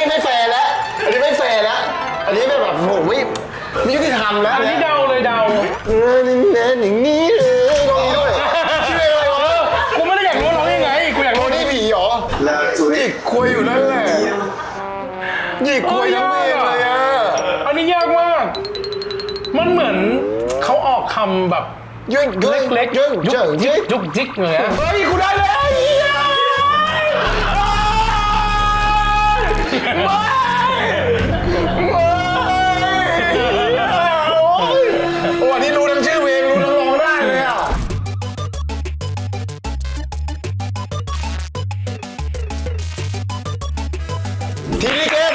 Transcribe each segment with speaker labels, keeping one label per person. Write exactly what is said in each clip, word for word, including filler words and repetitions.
Speaker 1: ไม่แฟร์แล้วอันนี้ไม่แฟร์แล้วอันนี้แบบโหไม่ไม่ยุติธรรมแล้ว
Speaker 2: อันนี้เดาเลยเดา
Speaker 1: เออนี่แน่อย่างนี้เลยตรงนี้ด้วยชื่ออะไรวะ
Speaker 2: กูไม่ได้อยากรู้ร้องยังไงกูอยาก
Speaker 1: โท
Speaker 2: รู้
Speaker 1: นี่ผีเหรอหยิกคุยอยู่นั่นแหละหยิกคุยทั้งเพลงเลยอ่ะ
Speaker 2: อันนี้ยากมากมันเหมือนเขาออกคำแบบ
Speaker 1: ยุ่งยุ่ง
Speaker 2: เล็กๆ
Speaker 1: ยุ่ง
Speaker 2: ยุกยิกยุกยิกเลยอะเฮ้ยกูได้เลย
Speaker 1: โอ้อันนี้รู้ทั้งชื่อเพลงรู้ทั้งร้องได้เลยอ่ะทีนี้เกม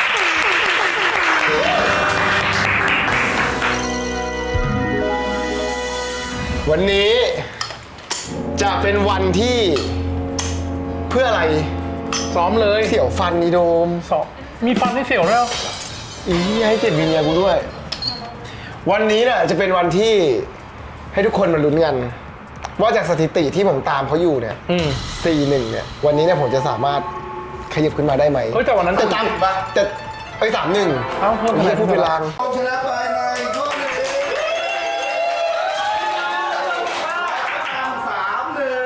Speaker 1: วันนี้จะเป็นวันที่เพื่ออะไร
Speaker 2: ซ้อมเลย
Speaker 1: เสี่ยวฟันนีโดม
Speaker 2: ซ้อมมีฟันให้เสี่ยวแล้ว
Speaker 1: อีให้เกียรติวิญญากูด้วยวันนี้เนี่ยจะเป็นวันที่ให้ทุกคนมาลุ้นกันว่าจากสถิติที่ผมตามเขาอยู่เนี่ยสี่หนึ่งเนี่ยวันนี้เนี่ยผมจะสามารถขยับขึ้นมาได้ไหม
Speaker 2: เฮ้ยแต่วันนั้น
Speaker 1: จะตามจะไปสามหนึ่ง
Speaker 2: เอ้าเพิ่ม
Speaker 1: ไม่พูดเป็นลาง
Speaker 3: ชนะไปในข้อหนึ่งสามหนึ่ง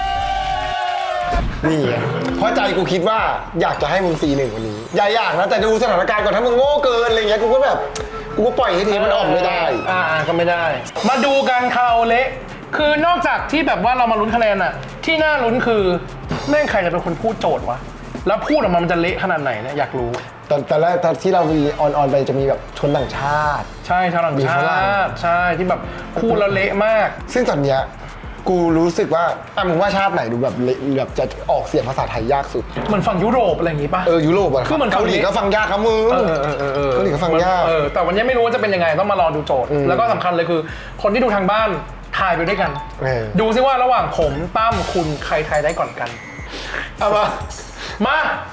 Speaker 1: นี่เพราะใจกูคิดว่าอยากจะให้มึงสี่หนึ่งวันนี้อย่าอยากนะแต่ดูสถานการณ์ก่อนถ้ามึงโง่เกินอะไรเงี้ยกูก็แบบกูก็ปล่อยให้ทีมันออกไม่ได้
Speaker 2: อ่าก็ไม่ได้มาดูกันคาราโอเละคือนอกจากที่แบบว่าเรามาลุ้นคะแนนอะที่น่าลุ้นคือแม่งใครจะเป็นคนพูดโจทย์วะแล้วพูดออกมามันจะเละขนาดไหนเนี่ยอยากรู้
Speaker 1: ตอนตอนแรกตอนที่เรามีออนออนไปจะมีแบบชนต่างชาติ
Speaker 2: ใช่ชาวต่างชาติใช่ที่แบบพูดแล้วเละมาก
Speaker 1: ซึ่งตอนเนี้ยกูรู้สึกว่าอ่ะมึงว่าชาติไหนดูแบบเละแบบจะออกเสียงภาษาไทยยากสุด
Speaker 2: เหมือนฝั่งยุโรปอะไรอย่างงี้ป่ะ
Speaker 1: เออยุโรปอะ
Speaker 2: คือเหมือน
Speaker 1: เกาหลีก็ฟังยากครับมึง
Speaker 2: เออเออเออเออ
Speaker 1: เกาหลีก็ฟังยาก
Speaker 2: เออแต่วันนี้ไม่รู้ว่าจะเป็นยังไงต้องมารอดูโจทย์แล้วก็สำคัญเลยคือคนที่ดูทางบ้านทายไปด้วยกันดูซิว่าระหว่างผมตั้มคุณใครทายได้ก่อนกัน
Speaker 1: เอามา
Speaker 2: มา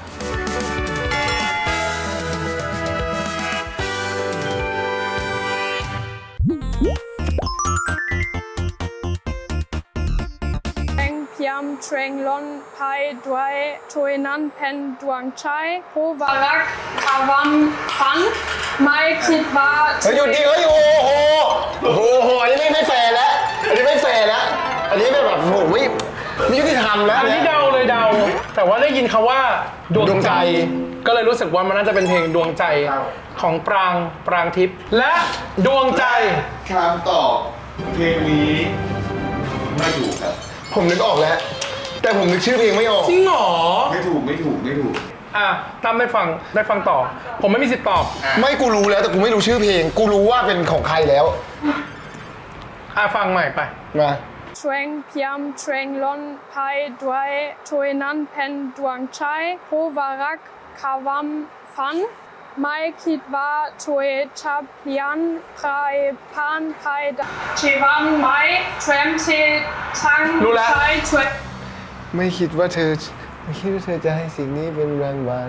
Speaker 4: พยามเทรงลอนไพด้วยช่วยนั้นเพนดวงชัยผู้วารักคาวันฟันไม่คิดว่า
Speaker 1: เฮ้ยหยุดดิเฮ้ยโอ้โหโอ้โหโอ้โหอันนี้ไม่ไม่แฟร์แล้วอันนี้ไม่แฟร์แล้วอันนี้แบบโหไม่ไม่ยุติธรรมแล้ว
Speaker 2: อันนี้เดาเลยเดาแต่ว่าได้ยินคำว่าดวงใจก็เลยรู้สึกว่ามันน่าจะเป็นเพลงดวงใจของปรางปรางทิพย์และดวงใจ
Speaker 3: คำตอบเพลงนี้ไม่ถูกครับ
Speaker 1: ผมนึกออกแล้วแต่ผมนึกชื่อเพลงไม่ออก
Speaker 2: จริงเหรอ
Speaker 3: ไม่ถูกไม่ถูกไม่ถูก
Speaker 2: อ่ะตั้มได้ฟังได้ฟังต่อผมไม่มีสิทธิ์ตอบ
Speaker 1: ไม่กูรู้แล้วแต่กูไม่รู้ชื่อเพลงกูรู้ว่าเป็นของใครแล้ว
Speaker 2: อ่ะฟังใหม่ไป
Speaker 1: มา
Speaker 4: เทรงพยามเทรงลอนไพด้วยช่วยนั้นเพนดวงชัยผู้วารักคาวันฟันไม่คิดว่าช่วยชับเพียนใครผ่านใครชีวันไม่เทรมชีทั้งใช้ช่วย
Speaker 1: ไม่คิดว่าเธอไม่คิดว่าเธอจะให้สิ่งนี้เป็นรางวัล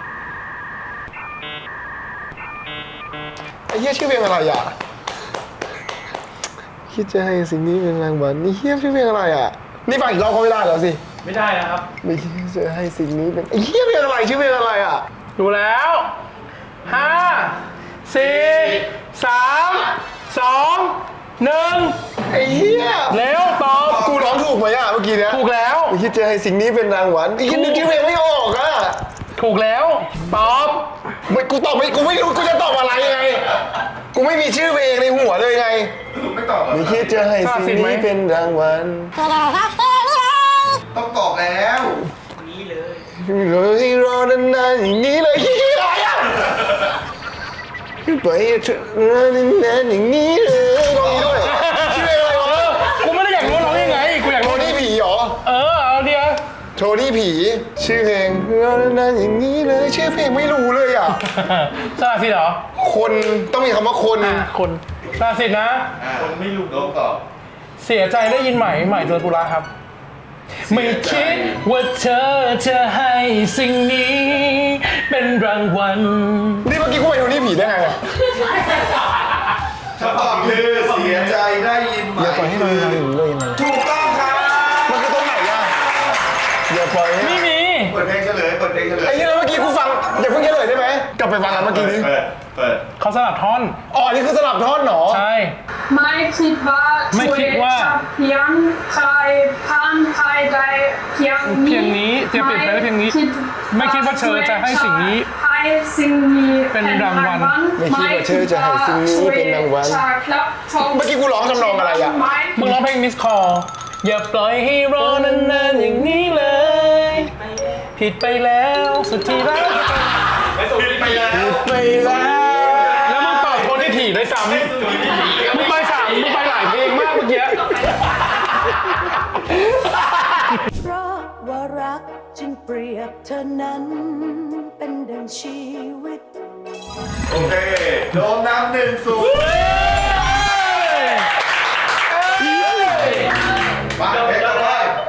Speaker 1: ไอ้เหี้ยชื่อเพลงอะไรอ่ะคิดจะให้สิ่งนี้เป็นรางวัลนี่เหี้ยชื่อเพลงอะไรอ่ะนี่ฟังอีกรอบก็ไม่ได้แล้วสิ
Speaker 2: ไม่ได้นะครับ
Speaker 1: ไม่คิดจะให้สิ่งนี้เป็นไอ้เหี้ยเพลงอะไรชื่อเพลงอะไรอ่ะ
Speaker 2: ดูแล้วห้าสี่สามสองหนึ่ง
Speaker 1: ไอ้เหี้ย
Speaker 2: เร็วตอบ
Speaker 1: กูร้องถูกไหมอ่ะเมื่อกี้เนี้ย
Speaker 2: ถูกแล้ว
Speaker 1: ไม่คิดจะให้สิ่งนี้เป็นรางวัลไอ้เหี้ยนึกชื่อเพลงไม่ออกอ่ะ
Speaker 2: ถูกแล้วตอบ
Speaker 1: ไม่กูตอบไม่กูไม่รู้กูจะตอบอะไรไงกูไม่มีชื่อเพลงในหัวเลยไง
Speaker 3: ไม่ตอบ
Speaker 1: ไม่คิดจะให้สิ่งนี้เป็นรางวัล
Speaker 3: ต้องตอบแล้ว
Speaker 1: นี่เลยเลยรอนานๆอย่างนี้เลยคิดอะไรอ่ะไปเถอะนานๆอย่างนี้เลยตรงนี้ด้วยชื่ออะไรวะ
Speaker 2: กูไม่ได้อยากรู้ร้องยังไงกูอยาก
Speaker 1: โทนี่ผีเหรอ
Speaker 2: เออเอาเดียว
Speaker 1: โทนี่ผีชื่อเพลงรอนานๆอย่างนี้เลยชื่อเพลงไม่รู้เลยอ่ะ
Speaker 2: ซาสิเหรอ
Speaker 1: คนต้องมีคำว่าคน
Speaker 2: คนซาสินะ
Speaker 3: คนไม่รู้ต้องตอบ
Speaker 2: เสียใจได้ยินไหมใหม่เจอปุระครับไม่คิดว่าเธอจะให้สิ่งนี้เป็นรางวัล
Speaker 1: นี่เมื่อกี้กูไปดูนี่ผีได้ไงอ่ะ
Speaker 3: คำตอบคือเสียใจได้ยินไหม
Speaker 1: อย่าปล่อยให้มันมาถึงเลยนะ
Speaker 3: ถูกต้องครับ
Speaker 1: มันคือตรงไหนอ่ะอย่าปล่อย
Speaker 2: ไม่มี
Speaker 3: เปิดเพลงเฉลยเปิดเพลงเฉลย
Speaker 1: ไอ้เหี้ยเมื่อกี้กูฟังอย่าเพิ่งเฉลยได้ไหมกลับไปฟังกันเมื่อกี้นี้
Speaker 3: เปิดเปิด
Speaker 2: เขาสลับท่อน
Speaker 1: อ๋ออันนี่คือสลับท่อนเหรอ
Speaker 2: ใช่
Speaker 4: ไม่คิดว่า
Speaker 2: ไม่คิดว่า
Speaker 4: จะเพียงใครผ่านใครได้เพียง
Speaker 2: เพียงนี้จะเปลี่ยนไปได้เพียงนี้ไม่คิดว่าเธอจะให้สิ่งนี้
Speaker 4: ให้สิ่งนี้
Speaker 2: เป็นรางวัล
Speaker 1: ไม่คิดว่าเธอจะให้สิ่งนี้เป็นรางวัล เมื่อกี้กูร้องทำนองอะไรอะ
Speaker 2: มึงร้องเพลง Miss Call อย่าปล่อยให้รอนานๆอย่างนี้เลย ผิดไปแล้วสุดที่รัก
Speaker 3: ผิดไปแล้ว
Speaker 1: ไปแล้ว
Speaker 2: แล้วมึงตอบคนที่ถี่ด้วยซ้ำมึงไปสามมึงไปหลายเพลงมากเมื่อกี้
Speaker 5: เพราะว่ารักจึงเปรียบเธอนั้นเป็นดังชีวิต
Speaker 3: โอเคโดมน้ำหนึ่งศูนย์มาเพลงต่อไป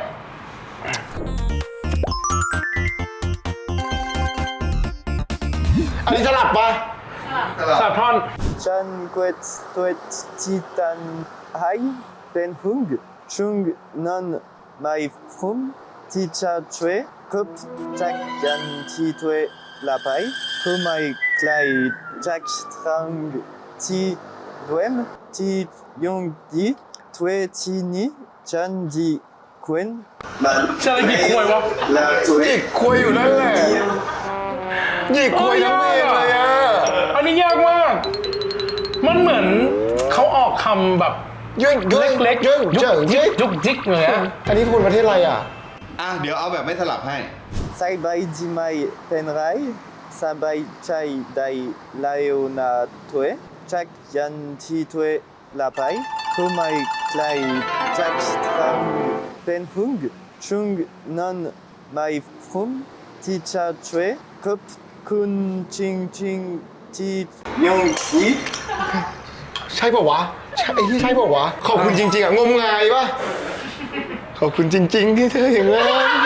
Speaker 1: อันนี้สลับปะ
Speaker 2: สลับท่อน
Speaker 6: ฉันกวดตัวที่ตันให้เป็นหุ่งชุงนอนไม่ฟุ่มที่จะช่วยคุบจากยันที่ตัวละไปคือไม่ไกลจากทางที่ด้วยมที่ยงดีตัวที่นี้ฉันดีควนมัน
Speaker 2: ฉันอะไรหยิกควยวะ
Speaker 6: ละตัว
Speaker 1: หยิกคุยอยู่นั่นแหละหยิกคุยทั้งเพลงเลยอะ
Speaker 2: อันนี้ยากมาก มันเหมือนเขาออกคำแบบ
Speaker 1: ยื่น
Speaker 2: เล็กๆ
Speaker 1: ยื่น
Speaker 2: ยุ
Speaker 1: เจิง
Speaker 2: กจิ
Speaker 1: ยื่
Speaker 2: ก
Speaker 1: น
Speaker 2: ยุกจิกเลยอะ
Speaker 1: อันนี้คุณประเทศอะไรอ่ะ
Speaker 3: อ่ะเดี๋ยวเอาแบบไม่สลับให้
Speaker 6: ใส่ใบดีไม่เป็นไรสบายใจได้แล้วนะตัวจากยันที่ตัวละไปคือไม่ไกลจากทางเป็นหุ่งชุงนอนไม่ฟุ่มที่จะช่วยขอบคุณจริงๆที่ยงดี
Speaker 1: ใช่ป่าวะใช่ไอ้ที่ใช่ป่าวะ ขอบคุณจริงๆอ่ะงมงายปะขอบคุณจริง ๆ ที่เธออย่างนั้น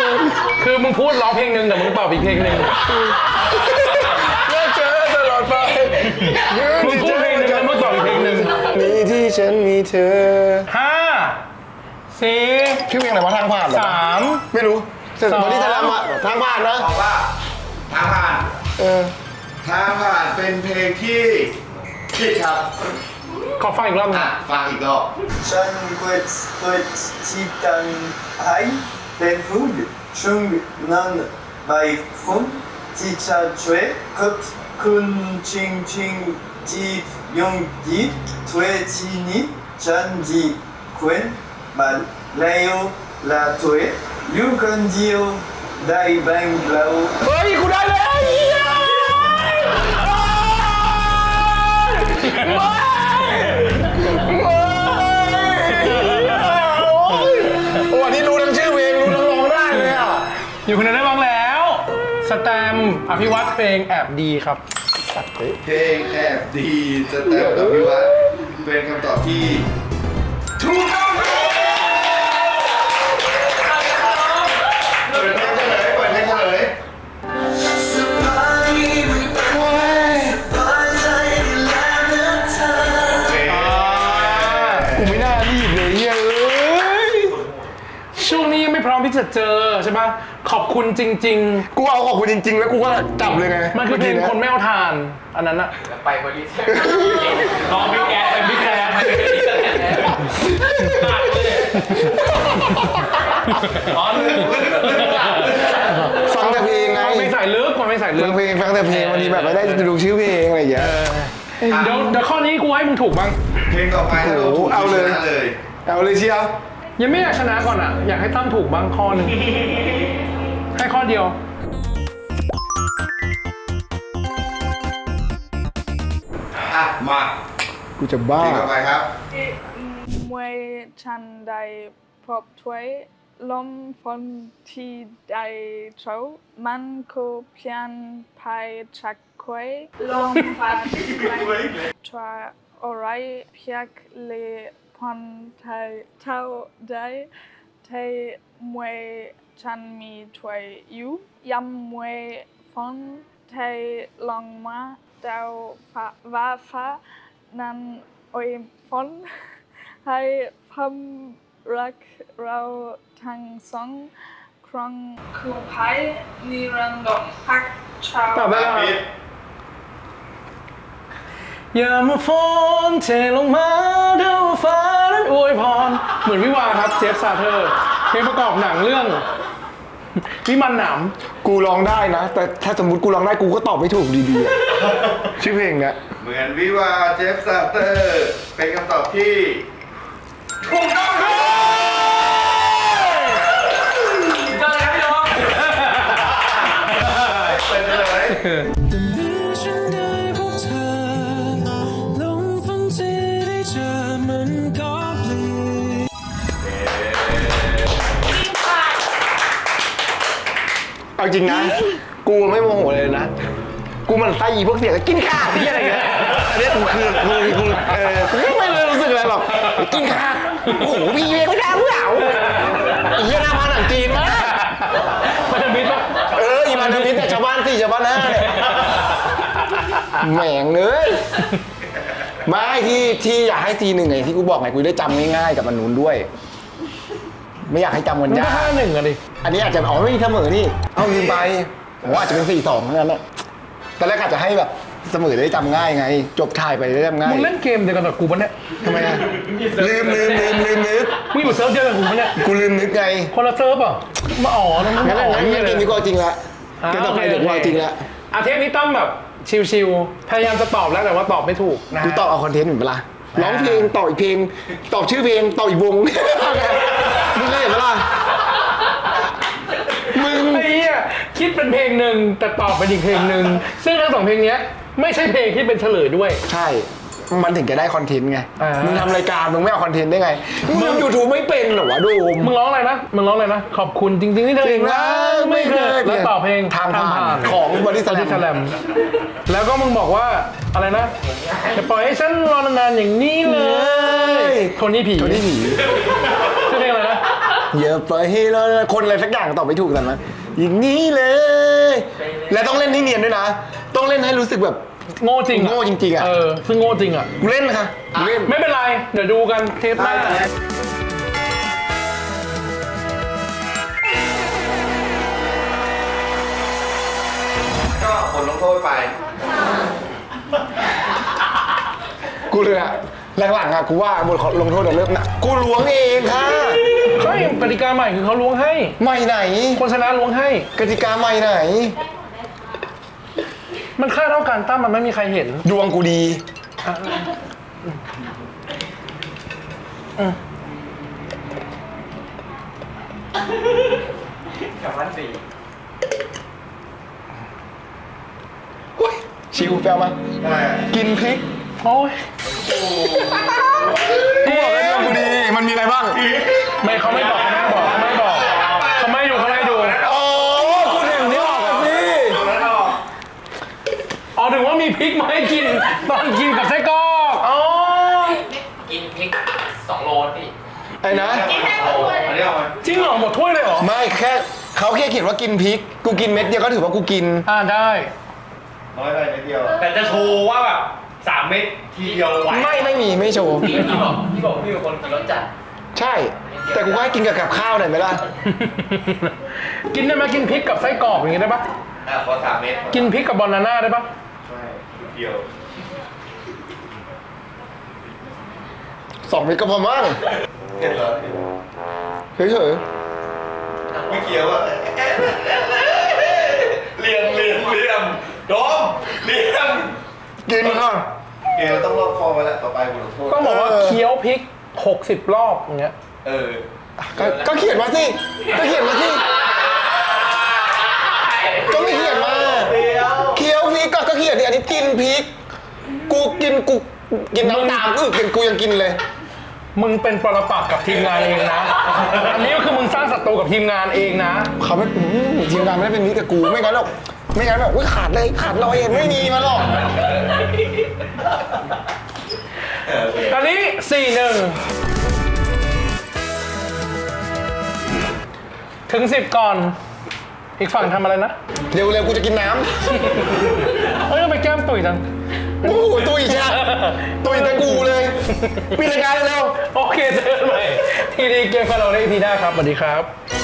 Speaker 2: คือมึงพูดร้องเพลงหนึ่งแต่มึงตอบอีกเพลงหนึ่ง
Speaker 1: เลิกเจอตลอดไป
Speaker 2: มึงพูดเพลงหนึ่งแล้วมึงตอบอีกเพลงหนึ่ง
Speaker 1: มีที่ฉันมีเธอ
Speaker 2: ห้าสี่
Speaker 1: ชื่อเพลงอะไรวะทางผ่านเหรอ
Speaker 2: สาม
Speaker 1: ไม่รู้แต่
Speaker 2: สอง
Speaker 1: บอดี้สแลมอะทางผ่านนะ
Speaker 3: บอกว่าทางผ่าน
Speaker 1: เออ
Speaker 3: ทางผ่านเป็นเพลงที่ผิดครับ
Speaker 2: ขอฟังอีกรอบหนึ
Speaker 3: อ่ะ
Speaker 2: ง
Speaker 3: ฟังอีกรอบ
Speaker 6: ฉันกวดตัวที่ตันให้เป็นหุ่งชุงนอนไม่ฟุ่มที่จะช่วยขอบคุณจริงๆที่ยงดีตัวที่นี้ฉันดีควรมันแล้วละตัวอยู่คนเดียวได้บ้างแล้ว
Speaker 2: เฮ้ยกูได้แล้วเหี้ย
Speaker 1: โอ้อันนี้รู้ทั้งชื่อเพลงรู้ทั้งร้องได้เลยอ่ะ
Speaker 2: อยู่คนเดียวได้บ้างแล้ว สแตมป์อภิวัตเพลงแอบดีครับ
Speaker 3: เพลงแอบดีจะแต่งกับพี่วัดเป็นคำตอบที่ถูกต้องครับเปิดเพลงเฉลยเปิดเพลงเฉลย
Speaker 1: กูไม่น่ารีบเลยเฮ้ยเอ้ย
Speaker 2: ช่วงนี้ยังไม่พร้อมที่จะเจอใช่ปะขอบคุณจริง
Speaker 1: กูเอาขอบคุณจริง ๆ แล้วกูก็จับเลยไง
Speaker 2: ๆ มันคือเพลง
Speaker 1: มื่
Speaker 2: คนไม่เอาทาน อันนั้นอะ
Speaker 7: ไปบริษัทรอบิ๊กแอร์เป็นบิ๊กแอร์ไปบริษัทตัดเลยอ๋อ
Speaker 1: ฟังแต่เพลงไง
Speaker 2: มันไม่ใส่ลึกมันไม่ใส่ลึ
Speaker 1: ฟั
Speaker 2: ก
Speaker 1: งเพลงฟังแต่เพลงวันนี้แบบไม่ได้ดูชื่อเพลงอะไรอย่างเงี้ย
Speaker 2: เดี๋ยวเดี๋ยวข้อนี้กูให้มึงถูกบ้าง
Speaker 3: เพลงต่อไปถ้าเราถูก
Speaker 1: เอาเลย
Speaker 3: ชนะเลย
Speaker 1: เอาเลยเชียว
Speaker 2: ยังไม่อยากชนะก่อนอะอยากให้ตั้มถูกบ้างข้อหนึ่งให้ข้อเดียว
Speaker 3: อ่ะมา
Speaker 1: กูจะบ้า
Speaker 3: เพลงต่อไปครับ
Speaker 4: มวยฉันได้พบถ้วยลมฝนที่ได้เช้ามันก็เพียงภายชักควยลมพัดช่วยอะไรเพียงเลพอนไทยเท่าใดไทยมวยฉันมีถ้วยอยู่ยำมวยฝนไทยลงมาดาวฟ้าว่าฟ้านั้นโอยฝนให้พมรักเราทั้งสองคครั้งคือไพ่นิรันดร์พักชาว
Speaker 2: ตอบได้แล้วครับ
Speaker 3: ปิด
Speaker 2: อย่ามาฝนเทลงมาเดี๋ยวฟ้านั้นอวยพร เหมือนวิวาครับเจฟซาเธอร์เพลงประกอบหนังเรื่อง วิมานหนาม
Speaker 1: กูร้องได้นะ แต่ถ้าสมมติกูร้องได้กูก็ตอบไม่ถูกดีๆอะชื่อเพลงเนี้ย
Speaker 3: เหมือนวิวาเจฟซาเตอร์เป็นคำตอบที่ถูกต้องครับ
Speaker 7: เจอแล้วพี่น้อง
Speaker 3: เป็นเลย
Speaker 8: แต่เมื่อฉันได้พบเธอลงฝันที่ได้เจอมันก็เปลี่ยน
Speaker 1: เอาจริงนะ กูไม่โมโหเลยนะ กูมันไส้อีพวกเสียงกินข้าวที่อะไรเงี้ยอันนี้กูคือกูกูเออกูไม่เลยรู้สึกอะไรหรอกกินข้าวโอ้โหพี่เวไม่ได้เปล่าอีเหี้ยหน้ามาหนังจีนมาก
Speaker 2: มันจะมิดปะ
Speaker 1: เอออีมันทวิตเนี่ยชาวบ้านสี่ชาวบ้านห้าเนี่ยแหม่งเลยไม่ที่ที่อยากให้ซีหนึ่งไงที่กูบอกไงกูได้จำง่ายๆกับมันนู้นด้วย ไม่อยากให้จำมัน
Speaker 2: มัน
Speaker 1: ยา
Speaker 2: ก็
Speaker 1: ก
Speaker 2: ห้าหนึ่งอะดิ
Speaker 1: อันนี้อาจจะอ๋อไม่มีเสมอนี่ เอาลืมไปผมว่าอาจจะเป็นสี่สองนั่นแหละตอนแรกอาจจะให้แบบเสมอได้จำง่ายไง จบถ่ายไปได้จำง่าย
Speaker 2: มึงเล่นเกมเดียวกันกับกูปะเนี่ย
Speaker 1: ทำไมอะลืมลืมลืมลืมนึก
Speaker 2: มึงอยู่เซิร์ฟเดียวกับกูปะเนี่ย
Speaker 1: กูลืมนึกไง
Speaker 2: คนละเซิร์ฟอ่ะมาอ๋อแล้วมึง
Speaker 1: งั้น
Speaker 2: อ๋อ
Speaker 1: งั้น
Speaker 2: นี่
Speaker 1: งั้น
Speaker 2: เล
Speaker 1: เก
Speaker 2: ย
Speaker 1: มนี้ก็เอาจริงละเกมต่อไปเดี๋ยวกูเอาจริงละ
Speaker 2: อาเทปนี้ต้องแบบชิวๆพยายามจะตอบแล้วแต่ว่าตอบไม่ถูกนะฮะ
Speaker 1: กูตอบเอาคอนเทนต์เหมือนเปล่าร้องเพลงต่ออีกเพลงตอบชื่อเพลงต่ออีกวงมึงเคยเห็นเปล่ามึง
Speaker 2: ไอ้เหี้ยคิดเป็นเพลงหนึ่งแต่ตอบเป็นอีกเพลงหนึ่งซึ่งทั้งสองเพลงเนี้ยไม่ใช่เพลงที่เป็นเฉลยด้วย
Speaker 1: ใช่ มันถึงจะได้คอนเทนต์ไง
Speaker 2: อ่ามึ
Speaker 1: มึงทำรายการมึงไม่เอาคอนเทนต์ได้ไง มึงยูทูบไม่เป็นเหรอวะโดม
Speaker 2: มึงร้องอะไรนะมึงร้องอะไรนะขอบคุณจริงๆที่เธอเองนะไม่เคยแล้วต่อเพลง
Speaker 1: ทางผ่านของบริษัท
Speaker 2: บริษัทแลมแล้วก็มึงบอกว่าอะไรนะจะปล่อยให้ฉันรอนานๆอย่างนี้เลยโทนี่ผี
Speaker 1: โทนี่ผี
Speaker 2: ชื่อเพลงอะไรนะ
Speaker 1: อย่าปล่อยให้เราคนอะไรสักอย่างตอบไม่ถูกแต่นะอย่างนี้เลย และต้องเล่นให้เนียนด้วยนะ ต้องเล่นให้รู้สึกแบบ
Speaker 2: โง่จริงอะ
Speaker 1: โง่จริงๆอะ
Speaker 2: เออซึ่งโง่จริงอ่ะ
Speaker 1: กูเล่นนะคะกูเล่น
Speaker 2: ไม่เป็นไรเดี๋ยวดูกันเทปหน้า
Speaker 3: ก็ผลลงโทษไป
Speaker 1: กูเลยอะหลังๆอะกูว่าบทลงโทษเดี๋ยวเริ่มหนะกูล้วงเองค่ะ
Speaker 2: เฮ้ยกติกาใหม่คือเขาล้วงให้
Speaker 1: ใหม่ไหน
Speaker 2: คนชนะล้วงให้
Speaker 1: กติกาใหม่ไหน
Speaker 2: มันค่าเท่ากันตั้มมันไม่มีใครเห็น
Speaker 1: ดวงกูดี
Speaker 7: กับวันสี่
Speaker 1: อุ๊ยชิวแปลมา
Speaker 3: อะไรอ่ะ
Speaker 1: กินพริก
Speaker 2: โอ้ย
Speaker 1: กูบอกแล้วดวงกูดี มันมีอะไรบ้าง
Speaker 2: ไม่เขาไม่บอกเขาไม่บอกเขาไม่บอกเขาไม่ดูเขาไม่ดู
Speaker 1: โอ้กูถึงนี่ออกอะสิ
Speaker 2: อ๋อถึงว่ามีพริกมาให้กินตอนกินกับไส้กรอกอ๋อ
Speaker 7: กินพริกสองโลพี่
Speaker 1: ไอ้นะ
Speaker 3: อันนี้เอาไหม
Speaker 2: จริงเหรอหมดถ้วยเลยเหรอ
Speaker 1: ไม่แค่เขาแค่เขียนว่ากินพริก กูกินเม็ดเดียวก็ถือว่ากูกิน
Speaker 2: อ่าได้
Speaker 3: น้อยไปนิดเดียว
Speaker 7: แต่จะโชว์ว่าแบบสามเม็ดทีเดียวไหว
Speaker 1: ไม่ไม่มีไม่โชว์
Speaker 7: พี่บอกพี่บอกพี่เป็นคนกินรสจัด
Speaker 1: ใช่ แต่กูก็ให้กินกับกับข้าวหน่อยไหมล่ะ
Speaker 2: กินได้ไหมกินพริกกับไส้กรอกอย่างงี้ได้ปะ
Speaker 3: อ่ะขอสามเม็ด
Speaker 2: กินพริกกับบอนาน่าได้ปะ
Speaker 3: ใช่เดียว
Speaker 1: สองเม็ดก็พอมั้ง
Speaker 3: เห็นเหรอ
Speaker 1: เฉย
Speaker 3: ไม่เขียวอ่ะเลียมเลียมเลียมโดมเลียม
Speaker 1: ๆกินค่ะ
Speaker 3: เกลต้องรอบคอไว้แล้วต่อไปบทลงโทษ
Speaker 2: ต้องบอกว่า
Speaker 1: เออ
Speaker 2: เคี้ยวพริกหกสิบรอบอย่างเงี้ย
Speaker 3: เออ
Speaker 1: ก็ก็เขียนมาสิ ก็เขียนมาสิ ก็ไม่เขียนมาเคี้ยวพริกก็ก็เขียนดิอันนี้กินพริก กูกินกูกินน้ำตาลอึกกูยังกินเลย
Speaker 2: มึงเป็นปรปักษ์กับทีมงานเองนะ อันนี้ก็คือมึงสร้างศัตรูกับทีมงานเองนะ
Speaker 1: เขาไม่อืมทีมงานไม่ได้เป็นมิตรกับกูไม่งั้นหรอกไม่งั้นแบบอุ้ยขาดเลยขาดลอยเองไม่มีมาหรอก
Speaker 2: อันนี้สี่หนึ่งถึงสิบก่อน อีกฝั่งทำอะไรนะ
Speaker 1: เร็วเร็วกูจะกินน้
Speaker 2: เอ้ยทำไมแก้มตุ๋ยจัง
Speaker 1: ำโอ้โหตุยใช่ตุยแต่กูเลยปิดรายการเร็ว
Speaker 2: โอเคเจอกันใหม่ทีดีเกมกับเราในอีพีหน้าครับสวัสดีครับ